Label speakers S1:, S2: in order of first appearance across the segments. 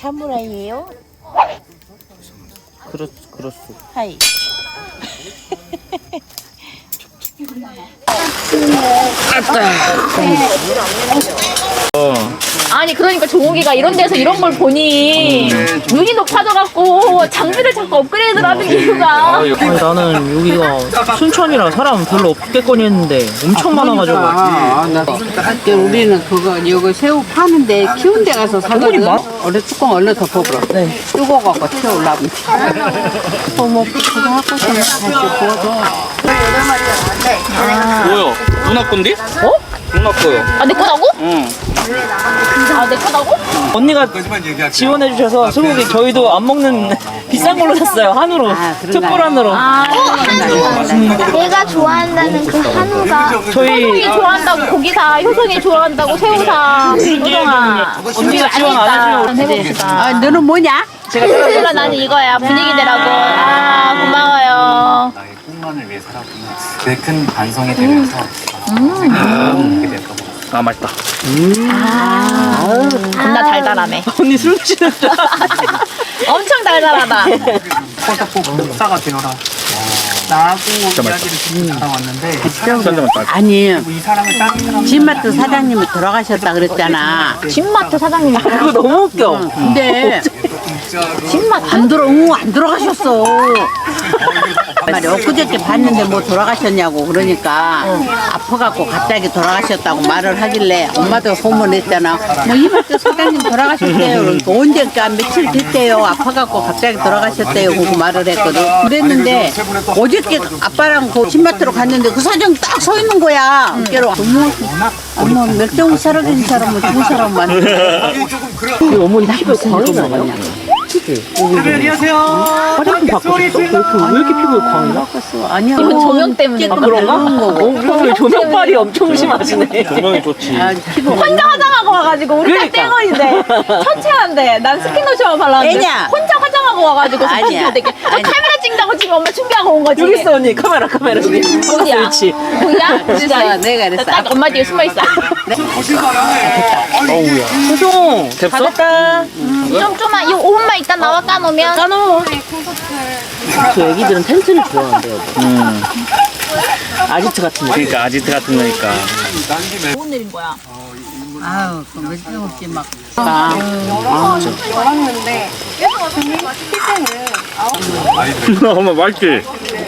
S1: 사무라이예요?
S2: 그렇소.
S1: 하이.
S3: 아니 그러니까 종욱이가 이런 데서 이런 걸 보니 눈이 높아져갖고 장비를 자꾸 업그레이드를 하는 이유가
S2: 아니, 나는 여기가 순천이라 사람 별로 없겠거니 했는데 엄청 많아가지고.
S4: 우리는 그거 여기 새우 파는데 키운 데 가서 사거든. 얼른 뚜껑 얼른 덮어버려.
S2: 네.
S4: 뜨거워갖고 튀어올라면 어머 그거 하고서 다시 구워줘.
S5: 뭐요? 누나 건데?
S2: 어?
S5: 누나 거요.
S3: 아 내 거다고?
S5: 응.
S3: 아 내 거다고?
S2: 언니가 지원해주셔서 소고기 저희도 안 먹는 비싼 걸로 샀어요. 한우로. 특불 한우로.
S1: 내가 좋아한다는 그 한우가
S3: 효성이 좋아한다고 고기 사, 효성이 좋아한다고 새우 사. 효성아
S2: 언니가 지원 안 해주려고.
S3: 해봅시다.
S4: 아 너는 뭐냐?
S3: 몰라 나는 이거야 분위기 내라고. 아 고마워요.
S6: 나의 꿈만을 위해 살았구나. 그 큰 반성이 되면서 먹게 됐던 것 같아요.
S5: 아 맛있다.
S3: 겁나 달달하네.
S2: 언니 술 드시는데.
S3: 엄청 달달하다.
S6: 꼭 역사가 되어라. 나하고 이야기를 듣고 살아왔는데
S4: 아니
S6: 이 사람을 다른 사람
S4: 진마트 사장님이 돌아가셨다 그랬잖아.
S3: 진마트 사장님이
S2: 그거 너무 웃겨.
S4: 근데
S3: 진마트?
S4: 안 돌아가셨어. 말이 엊그저께 봤는데 뭐 돌아가셨냐고 그러니까 아파갖고 갑자기 돌아가셨다고 말을 하길래 엄마도 소문냈잖아. 뭐 이마트 사장님 돌아가셨대요. 그러니까 언제까 며칠 됐대요. 아파갖고 갑자기 돌아가셨대요. 그거 말을 했거든. 그랬는데 어저께 아빠랑 그 신마트로 갔는데 그 사장 딱 서 있는 거야. 어깨로. 어머 멸종이 사라진 사람은 죽은 사람 많은데.
S2: 우리 어머니 피부에 광이 나요?
S6: 안녕하세요.
S2: 화장품 바꾸셨어? 왜 이렇게 피부에 광이 나?
S4: 아니야.
S3: 이건 조명 때문에
S2: 아, 그런가? 오늘 조명빨이 엄청 심하시네.
S5: 조명이 좋지.
S4: 아, 피부
S3: 혼자 화장하고 와가지고 우리 딱
S2: 그러니까.
S3: 땡원인데 천체한데 난 스킨로션만 발랐는데
S4: 애냐?
S3: 혼자 화장하고 와가지고
S4: 아니야.
S3: 되게 저
S4: 아니야.
S3: 카메라 찍자고 지금 엄마 준비하고 온 거지.
S2: 여기 있어 언니 카메라 저기.
S3: 어디야?
S2: 그렇지.
S3: 보이야?
S4: 그래서 내가 그랬어.
S3: 딱 엄마 뒤에 숨어 있어.
S2: 소송
S5: 됐어?
S2: 다 됐다.
S3: 좀만 이 5분만 있다 나와 까놓으면.
S2: 까놓어. 저 애기들은 텐트를 좋아한대요. 아지트 같은 거.
S5: 그러니까 아지트 같은 거니까.
S3: 못 내린 거야.
S4: 아유, 그 멸종없지 막.
S5: 엄마 맛있지?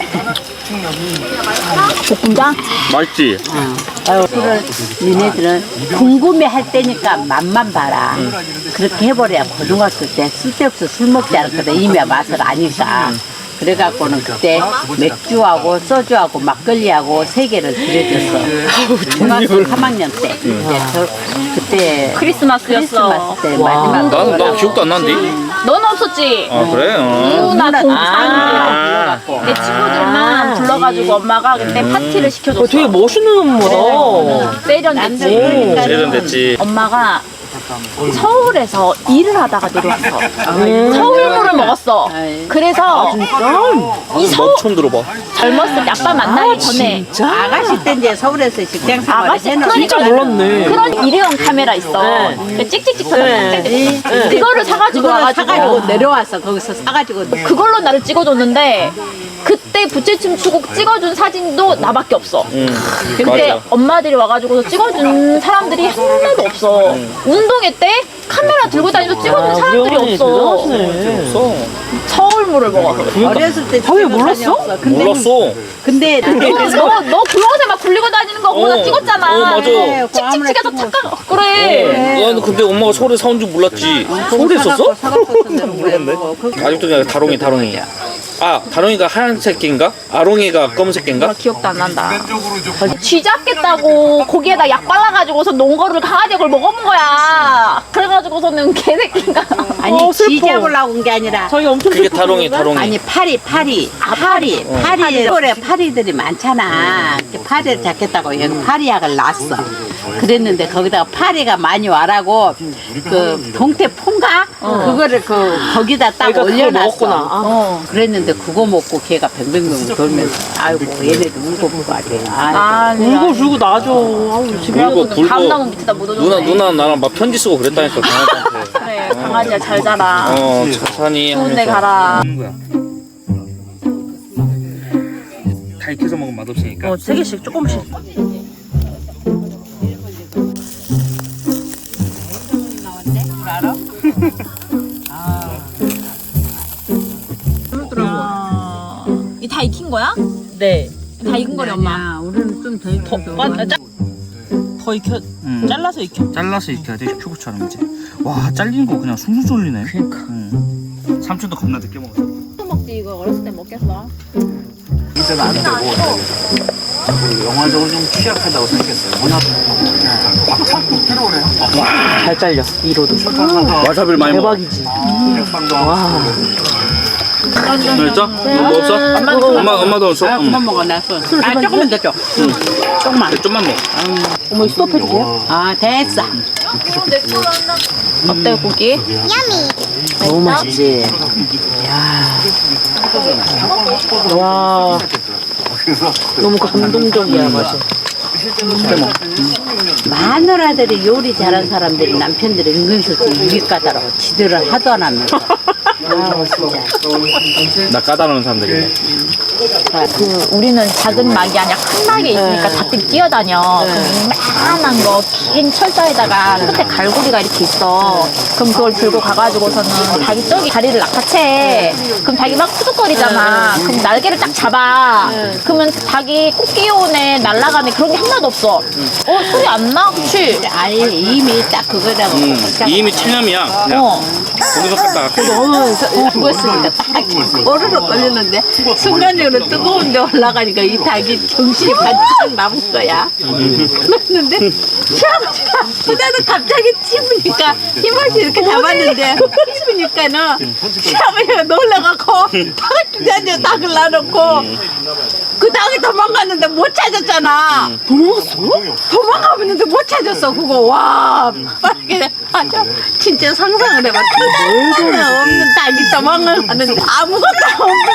S3: 볶음장?
S5: 맛있지?
S4: 아유, 술을 니네들은 궁금해할 때니까 맛만 봐라. 그렇게 해버려야 고등학교 때 쓸데없어 술 먹지 않았거든. 이미 맛을 아니까. 그래갖고는 그때 맥주하고 소주하고 막걸리하고 3개를 들여줬어. 중학교 3학년 때. 이제 그때
S3: 크리스마스였어.
S4: 크리스마스 때 마지막.
S5: 나 기억도 안 나는데?
S3: 너는 없었지?
S5: 아 그래?
S3: 누나
S4: 누나
S3: 동창 내 친구들만 불러가지고 엄마가 그때 파티를 시켜줬어.
S2: 되게 멋있는 엄마다.
S3: 세련됐지.
S5: 세련됐지.
S3: 엄마가 서울에서 일을 하다가 내려왔어. 서울물을 먹었어. 그래서 이 서울
S5: 처음 들어봐.
S3: 젊었을 때 아빠 만나기 전에
S4: 아가씨 때 이제 서울에서 직장 생활을
S3: 아가씨
S4: 해놓은
S2: 진짜 몰랐네.
S3: 그런 일회용 카메라 있어. 그 찍찍찍 터져. 그거를 사가지고 와가지고
S4: 사가지고 내려와서 거기서 사가지고
S3: 그걸로 나를 찍어줬는데 그때 부채춤 추고 찍어준 사진도 나밖에 없어. 근데
S5: 맞아.
S3: 엄마들이 와가지고 찍어준 사람들이 하나도 없어. 운동회 때 카메라 들고 다니면서 찍어준 사람들이 없어.
S5: 없어.
S3: 서울물을 먹어서.
S4: 어렸을 때
S2: 왜 몰랐어?
S4: 근데
S5: 몰랐어.
S4: 근데
S3: 너 굴러서 막 굴리고 다니는 거 엄마 나 찍었잖아.
S5: 맞아.
S3: 찍찍찍해서 착각. 그래.
S5: 나는 근데 엄마가 서울에 사온 줄 몰랐지. 서울에 있었어?
S4: 몰랐네.
S5: 아직도 그냥 다롱이. 아, 다롱이가 하얀색 개인가? 아롱이가 검은색 개인가?
S3: 기억도 안 난다. 쥐 잡겠다고 고기에다 약 발라가지고서 논 거를 강아지가 그걸 먹어본 거야. 그래가지고서는 개새끼가.
S4: 아니 쥐 잡으려고 온 게 아니라
S2: 저희 엄청
S5: 그게 다롱이.
S4: 아니 파리 서울에 파리들이 많잖아. 그 파리를 잡겠다고 여기 파리약을 놨어. 그랬는데 거기다가 파리가 많이 와라고 그 동태 폰가 그거를 그 거기다 딱
S2: 그러니까 그걸
S4: 올려놨어.
S2: 먹었구나.
S4: 그랬는데 그거 먹고 걔가 뱅뱅뱅 돌면서 아이고 얘네도 울고 보고 하지.
S2: 울고 줄고 나죠. 아우, 집에
S5: 울고 굴고.
S3: 감나무 밑에다 묻어줬네.
S5: 누나 나랑 막 편지 쓰고 그랬다니까 강아지한테.
S3: 그래. 강아지야 잘 자라.
S5: 천천히
S3: 좋은 데
S5: 하면서
S3: 가라.
S5: 먹는 거야. 다 익혀서 먹으면 맛없으니까.
S2: 3개씩 조금씩.
S3: 이 다 익힌 거야?
S2: 네.
S3: 다 익은 거래 엄마.
S4: 야, 우리는 좀 더 익혀.
S2: 더 익혀. 잘라서 익혀.
S5: 잘라서 익혀야 돼 큐브처럼 이제. 와 잘리는 거 그냥 숭숭 쏠리네.
S2: 그러니까.
S5: 삼촌도 겁나 늦게 먹었어.
S3: 또 먹지 이거 어렸을 때 먹겠어.
S6: 이제는 안 되고 자꾸 영화적으로 좀 취약하다고 생각했어요. 워낙 박찬국 필요해요.
S2: 잘 잘려. 이로도.
S5: 와사비를 많이 먹어.
S2: 대박이지.
S5: 와. 됐어? 너 없어? 엄마도 없어?
S4: 아, 그만 먹어, 나 술. 아, 조금만 더 줘. 조금만.
S5: 좀만 먹어.
S2: 어머, 스톱해줄게요.
S4: 아, 됐어.
S3: 어때 고기?
S2: 너무 맛있지. 이야. 와. 너무 감동적이야, 맛이.
S4: 마누라들이 요리 잘하는 사람들이 남편들이 은근슬쩍 이게 까다로워. 지들을 하도 안 하면. 아, 진짜.
S5: 나 까다로운 사람들이네.
S3: 우리는 작은 막이 아니라 큰 막이 있으니까 닭들이 뛰어다녀. 그럼 이만한 거 긴 철사에다가 끝에 갈고리가 이렇게 있어. 그럼 그걸 들고 가가지고서는 닭이 저기 다리를 낚아채. 그럼 닭이 막 푸득거리잖아. 그럼 날개를 딱 잡아. 그러면 닭이 꼭 뛰어오네, 날아가네 그런 게 하나도 없어. 소리 안 나? 그치?
S4: 아예 이미 딱 그거라고.
S5: 이미 체념이야. 그냥 거기서 갔다가
S4: 그거 했으니까 딱 오르륵 걸리는데 순간적으로 뜨거운 데 올라가니까 이 닭이 정신이 반짝 남은 거야. 그랬는데 시아버지가 그다음에 갑자기 찝으니까 힘없이 이렇게 잡았는데 찝으니까는 시아버지가 놀라갖고 닭을 주저앉아 닭을 놔놓고 그 닭이 도망갔는데 못 찾았잖아. 도망갔어? 도망가는데 못 찾았어. 그거 와 빨리 아주 진짜 상상을 해봐. 하나 없는 닭이 도망가는데 아무것도 없는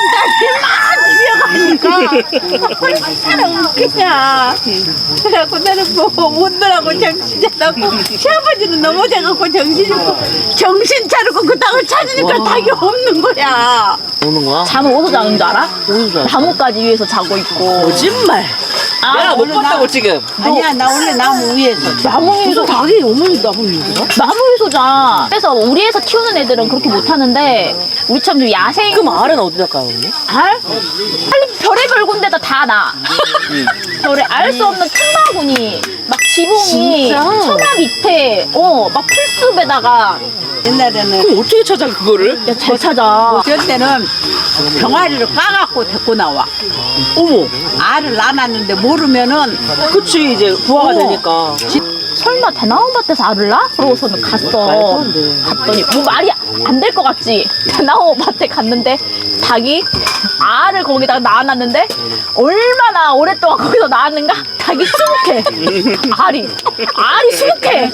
S4: 닭이 막 뛰어가니까 얼마나 웃기냐. 그래갖고 나는 뭐 웃느라고 정신이 안 나고 시아버지는 넘어져갖고 정신이 없고 정신 차리고 그 닭을 찾으니까 닭이 없는 거야.
S2: 오는 거야?
S3: 잠은 어디서 자는 줄 알아?
S2: 어디서 자?
S3: 나뭇가지 위에서 자고 있고.
S2: 거짓말. 내가 못 봤다고 지금.
S4: 아니야 나 원래 나무 위에서
S3: 나무 위에서
S2: 닭이 어머니 나무 위에서?
S3: 나무 위에서 자. 그래서 우리에서 키우는 애들은 그렇게 못하는데 우리처럼 좀 야생.
S2: 그럼 알은 어디다 까요, 언니?
S3: 알? 빨리 별의별 군데다 다 나. 별에 알 수 없는 큰 바구니, 막 지붕이,
S2: 진짜?
S3: 처마 밑에, 막 풀숲에다가.
S4: 옛날에는
S2: 그럼 어떻게 찾아, 그거를?
S3: 야, 잘 찾아.
S4: 그럴 때는 병아리를 까갖고 데리고 나와.
S2: 어머.
S4: 알을 낳았는데 모르면은
S2: 그치, 이제 부화가 되니까.
S3: 설마 대나무밭에서 알을 낳아? 그러고서는 갔어.
S2: 안 돼.
S3: 갔더니 뭐 말이 안 될 것 같지? 대나무밭에 갔는데 닭이 알을 거기다가 낳아놨는데 얼마나 오랫동안 거기서 낳았는가? 닭이 수북해. 알이 수북해.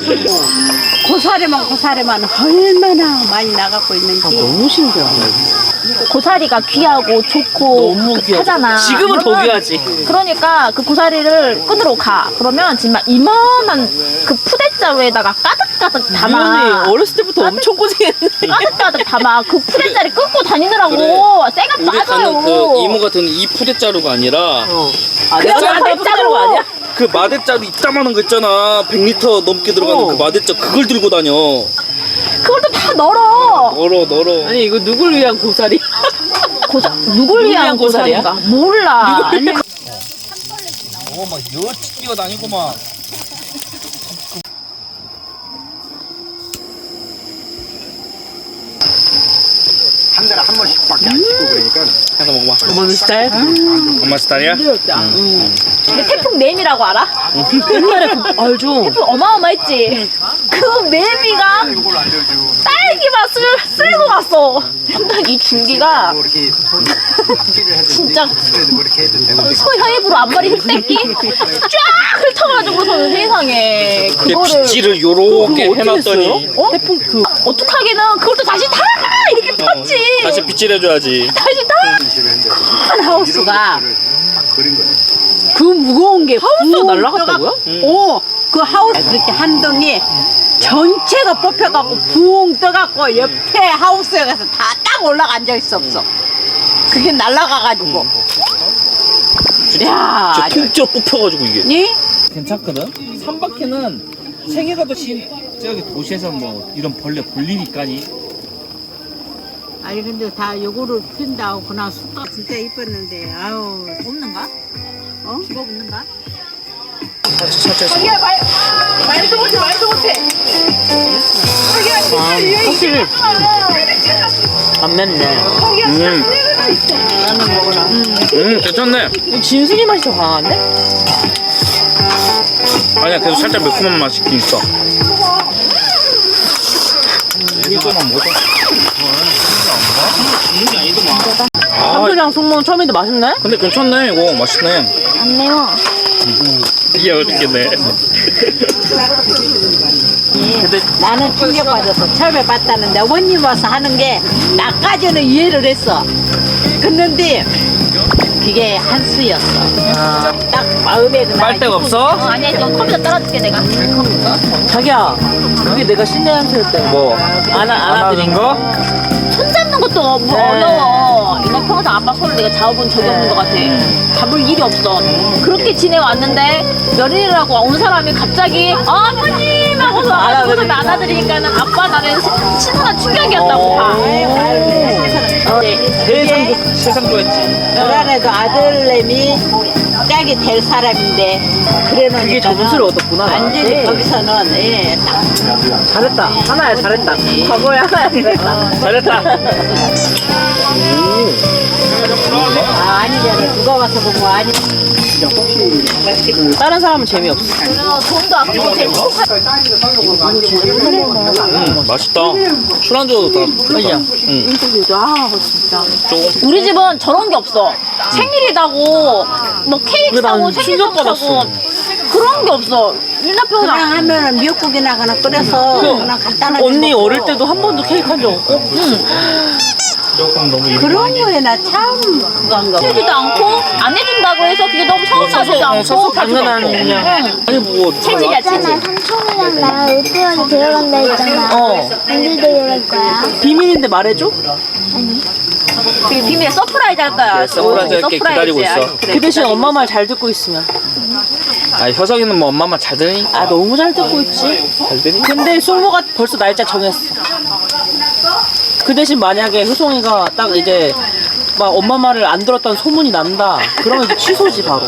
S4: 고사리만 얼마나 많이 나갖고 있는지.
S2: 너무 신기하네.
S3: 고사리가 귀하고 좋고
S2: 너무 귀하지.
S3: 하잖아.
S2: 지금은 더
S3: 그러면-
S2: 귀하지.
S3: 그러니까 그 고사리를 끈으로 가. 그러면 정말 이만한 그 푸대자루에다가 가득가득 담아.
S2: 언니 어렸을 때부터 엄청 고생했네.
S3: 가득가득 담아. 그 푸대자리 끊고 다니느라고. 쇠가
S5: 우리
S3: 빠져요.
S5: 가는 그 이모 같은 이 푸대자루가 아니라
S2: 아,
S3: 그냥
S2: 내가
S3: 마대자루
S2: 아니야?
S5: 그 마대자루 이따만한 거 있잖아. 100리터 넘게 들어가는 그 마대자루 그걸 들고 다녀.
S3: 그걸 또 다 널어.
S5: 널어.
S2: 아니, 이거 누굴 위한 고사리?
S3: 누굴 위한
S2: 위한 고사리야?
S3: 고사리인가? 몰라. 아니,
S5: 막 여치 뛰어다니고 막.
S6: 한 달에 한 번씩밖에 안 찍고 그러니까
S5: 해서 먹어봐.
S2: 어머니 스타일?
S5: 엄마 스타일이야?
S3: 근데 태풍 매미라고 알아?
S2: 옛날에 그, 알죠?
S3: 태풍 어마어마했지? 그 매미가
S6: 이걸 알려줘.
S3: 딸기 맛을 쓸고 갔어. 이 줄기가
S6: 뭐 이렇게 찌를 해도
S3: 진짜
S6: 그래도 뭐 이렇게 해도 되는데
S3: 소혀입으로 앞머리 흑대기 쫙 훑어가지고서는 세상에 그거를
S5: 빗질을 요렇게
S2: 그거 어떻게
S5: 해놨더니
S2: 했어요?
S3: 어? 태풍 그 어떡하기는 그걸 또 다시 다 이렇게 폈지.
S5: 다시 빗질해줘야지.
S3: 다시 다.
S4: 큰 하우스가
S6: 딱 그린 거야.
S4: 그 무거운 게
S2: 하우스가 날라갔다고요?
S4: 오, 그 하우스 그렇게 한 동이 전체가 뽑혀갖고 붕 떠갖고 옆에 하우스에 가서 다 딱 올라가 앉아 있어 없어. 그게 날아가가지고. 야,
S5: 진짜 통째로 뽑혀가지고 이게.
S4: 니?
S5: 괜찮거든. 3바퀴는 생애가 더 저기 도시에서 뭐 이런 벌레 볼 일이까니.
S4: 아니 근데 다 요거를 핀다고 그냥 숫가 진짜 이뻤는데 아우
S3: 없는가?
S4: 어?
S3: 기가 없는가?
S2: 확실히 안 맵네.
S5: 괜찮네.
S2: 진순이 맛이 더 강한데?
S5: 아니야, 계속 살짝 매콤한 맛이 있긴 있어. 이거만 먹어.
S2: 한두장 속모는 처음인데 맛있네?
S5: 근데 괜찮네, 이거 맛있네.
S1: 안 매워.
S5: 이게 어떻게네.
S4: 근데 나는 충격받았어. 처음에 봤다는데 어머님 와서 하는 게 나까지는 이해를 했어. 그런데 그게 한 수였어. 딱 마음에 그날
S2: 빨대가 없어?
S3: 아니야, 이거 컴퓨터 따라줄게, 내가.
S2: 자기야, 그게 내가 신내 한수일 때
S5: 뭐?
S2: 안아드린 거?
S3: 손 잡는 것도 어려워. 이거 평생 아빠 손을 내가 잡아본 적이 없는 것 같아. 잡을 일이 없어. 그렇게 지내왔는데 며느리라고 온 사람이 갑자기 아버님 하고서 손을 안아드리니까는 아빠 나는 신선한 충격이었다고 봐.
S5: 세상 좋아했지.
S4: 불안해도 아들내미 짝이 될 사람인데 그래놓으니까
S2: 그게 점수를 얻었구나.
S4: 완전히 거기서는 예, 딱
S2: 잘했다. 하나야 잘했다. 과거에 하나야 잘했다. 잘했다.
S4: 아니잖아. 누가 와서 보고 아니.
S2: 다른 사람은 재미없어.
S3: 돈도 아끼고 재밌고
S5: 맛있다. 술안주도 다
S2: 아니야.
S3: 우리 집은 저런 게 없어. 생일이다고 뭐 케이크
S2: 근데
S3: 사고
S2: 난
S3: 생일 밥 사고
S2: 충격받았어.
S3: 그런 게 없어. 일나평은
S4: 그냥 하면은 미역국이나 그냥 끓여서 그냥 간단하게
S2: 언니
S4: 먹고.
S2: 어릴 때도 한 번도 케이크 한 적 없고?
S4: 그런 거에 나 참 그건가 봐.
S3: 해주지도 않고 안 해준다고 해서 그게 너무 서운하지도 않고
S2: 서서 당연한 그냥.
S5: 아니 뭐
S3: 체질이야
S1: 있잖아,
S3: 체질.
S1: 삼촌이랑 나랑 울프한테 데려간다 했잖아.
S2: 어.
S1: 언제 데려갈 거야?
S2: 비밀인데 말해줘?
S3: 그리고 비밀 서프라이즈 할 거야.
S5: 서프라이즈 할게 기다리고 있어.
S3: 그래.
S2: 그 대신 엄마 말 잘 듣고 있으면.
S5: 아, 효석이는 뭐 엄마 말 잘 들으니까.
S2: 아 너무 잘 듣고 있지.
S5: 잘 들으니까.
S2: 근데 솔모가 벌써 날짜 정했어. 그 대신 만약에 효송이가 딱 이제 막 엄마 말을 안 들었다는 소문이 난다. 그러면 이제 취소지 바로.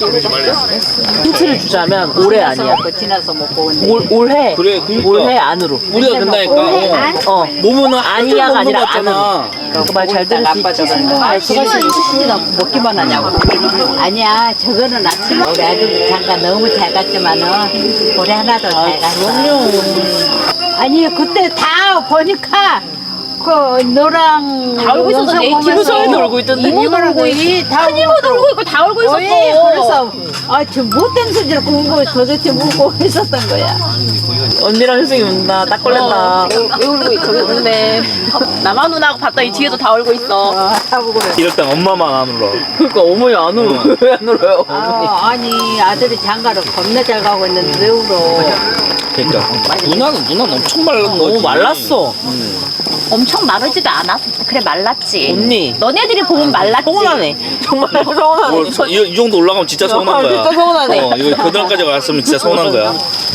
S2: 힌트를 주자면 올해 아니야.
S4: 지나서 먹고 온대.
S2: 올해.
S5: 그래, 그러니까.
S2: 올해 안으로.
S5: 우리가 된다니까.
S2: 몸은 아니야가 아니라
S5: 먹었잖아.
S2: 그 말 잘 들을 수 있지.
S4: 아, 그거 먹기만 하냐고. 아니야, 저거는 아침에 우리 아들 잠깐 너무 잘 갔지만은 올해 하나 더 잘 갔어. 아니, 그때 다 보니까 그 너랑
S3: 다 울고 있었어. 내
S2: 효송이도 울고 있던데.
S3: 이모도 울고 있고 큰 이모도 울고 있고 다 울고 있었어.
S4: 그래서 저 못된 소리를 공부 도대체 묻고 있었던 거야.
S2: 언니랑 효송이 운다. 딱 걸렸다.
S3: 왜 울고 있어? 왜 울네. 나만 운하고 봤더니 뒤에도 다 울고 있어.
S4: 하고 그래.
S5: 이럴 땐 엄마만 안 울어.
S2: 그러니까 어머니 안 울어. 왜 안 울어요? 어머니.
S4: 아니 아들이 장가를 겁나 잘 가고 있는데 왜 울어?
S5: 그러니까 누나는 엄청 말랐
S2: 너무
S5: 거지.
S2: 말랐어.
S3: 엄청 마르지도 않았어. 그래 말랐지.
S2: 언니.
S3: 너네들이 보면 말랐지.
S2: 서운하네. 정말 서운하네.
S5: 이 정도 올라가면 진짜 서운한 거야.
S2: 진짜 서운하네.
S5: 이거 고등학까지 갔으면 진짜 서운한 거야.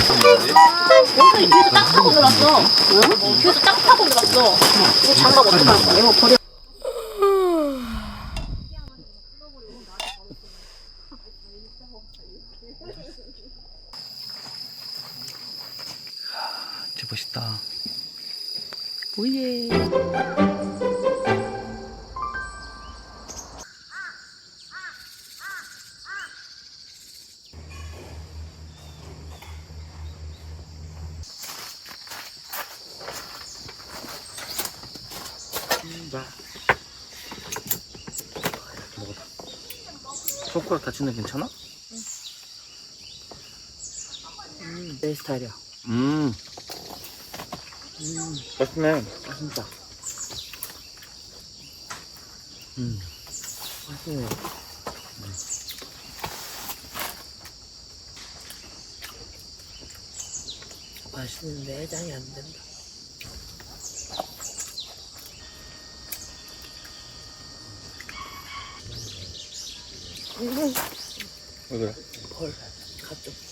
S3: 뒤에서 딱 타고 놀았어. 뒤에서 딱 타고 놀았어. 이거 장갑 어떡할 거야? 이거 버려.
S5: 진짜 멋있다.
S2: 뭐예.
S5: 손가락 다치는 데 괜찮아?
S2: 내 스타일이야.
S5: 맛있네.
S2: 진짜. 맛있네. 맛있는데 해장이 안 된다.
S5: 왜 그래?
S2: 벌, 갑자기.